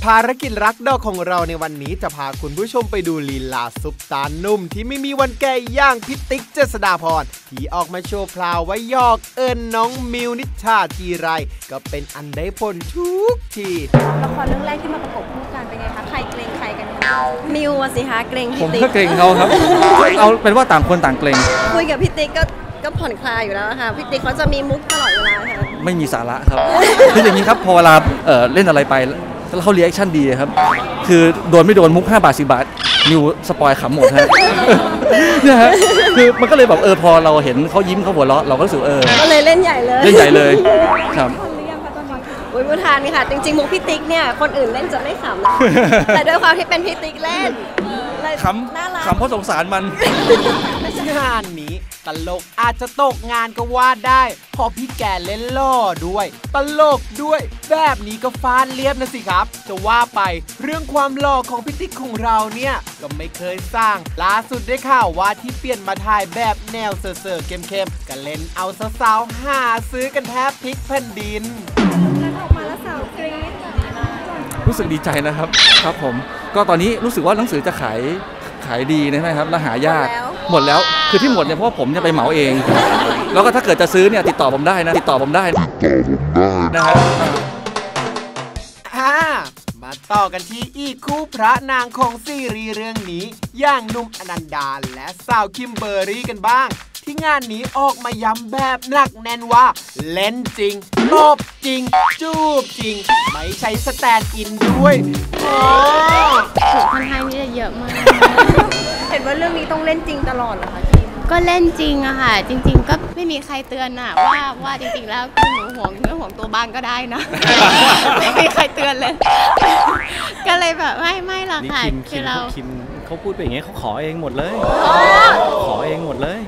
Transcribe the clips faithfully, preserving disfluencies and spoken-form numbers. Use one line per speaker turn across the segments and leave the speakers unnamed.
ภารกิจรักดอกของเราในวันนี้จะพาคุณผู้ชมไปดูลีลาซุปตานุ่มที่ไม่มีวันแก่ย่างพิติ๊กเจษฎาพรที่ออกมาโชว์พลาวไว้ยอกเอิญน้องมิวนิชชาทีไรก็เป็นอันได้ผลทุกที
ละครเรื่องแรกที่มาประกบคู่กันเป็นไงคะใครเกรงใครกันมิวสิคะเกรง
พี่ติ๊กผมก็เกรงเขาครับเอาเป็นว่าต่างคนต่างเกรง
คุยกับพี่ติ๊กก็ก็ผ่อนคลายอยู่แล้วค่ะพี่ติ๊กเขาจะมีมุกตลอดเวลาค่ะ
ไม่มีสาระครับคืออย่างนี้ครับพอเวลาเอ่อเล่นอะไรไปแล้วเขาเรีแอคชั่นดีครับคือโดนไม่โดนมุกห้าบาทสิบบาทนิวสปอยขำหมดฮะเนี่ยฮะคือมันก็เลยแบบเออพอเราเห็นเขายิ้มเขาหัวเราะเราก็รู้สึกเออ
ก็เลยเล่นใหญ่เลย
เล่นใหญ่เลยครับ
อุ้ยมุทานนี่ค่ะจริงๆมุกพี่ติ๊กเนี่ยคนอื่นเล่นจะไม่ขำนะแต่ด้วยความที่เป็นพี่ติ๊กเล่น
ขำขำเพราะสงสารมัน
งานนี้ตลกอาจจะตกงานก็ว่าได้พอพี่แกเล่นล่อด้วยตลกด้วยแบบนี้ก็ฟาดเลียบนะสิครับจะว่าไปเรื่องความหล่อของพี่ติ๊กของเราเนี่ยก็ไม่เคยสร้างล่าสุดได้ข่าวว่าที่เปลี่ยนมาถ่ายแบบแนวเซอร์ๆเข้มๆก็เล่นเอาสาวๆหาซื้อกันแทบพลิกแผ่นดิน
ออกมาแล้วสาวกรี๊ด
รู้สึกดีใจนะครับครับผมก็ตอนนี้รู้สึกว่าหนังสือจะขายขายดีใช่ไหมครับและหายากหมดแล้วคือที่หมดเนี่ยเพราะว่าผมจะไปเหมาเองแล้วก็ถ้าเกิดจะซื้อเนี่ยติดต่อผมได้นะติดต่อผมได้ติดต่อผมได้นะฮะ
อ่ามาต่อกันที่อีกคู่พระนางของซีรีส์เรื่องนี้อย่างหนุ่มอนันดาและสาวคิมเบอร์รี่กันบ้างที่งานนี้ออกมาย้ำแบบหนักแน่นว่าเล่นจริงตบจริงจูบจริงไม่ใช้สแตนด์อินด้วยโอ้
ถูกค่อนข้างที่จะเยอะมาก
เห็นว่าเรื่องนี้ต้องเล่นจริงตลอดเหรอคะ
ก็เล่นจริงอะค่ะจริงๆก็ไม่มีใครเตือนอะว่าว่าจริงๆแล้วคือหนูห่วงเรื่องของตัวบ้างก็ได้นะไม่มีใครเตือนเลยก็เลยแบบไม่ไม่หรอกค่ะ
คือเราคิมเขาพูดไปอย่างเงี้ยเขาขอเองหมดเลยขอเองหมดเลย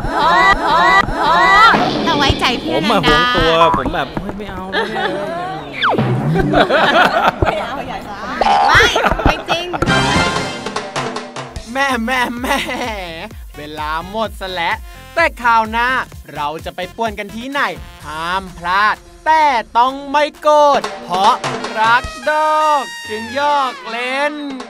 เราไว้ใจพี่
ผมมาห่วงตัวผมแบบไม่เอา
ไม่เอาอย่าช้า
ไม่ไม่จริง
แม่แม่แม่เวลาหมดซะแล้วแต่คราวหน้าเราจะไปป่วนกันที่ไหนห้ามพลาดแต่ต้องไม่โกรธเพราะรักดอกจึงยอกเล่น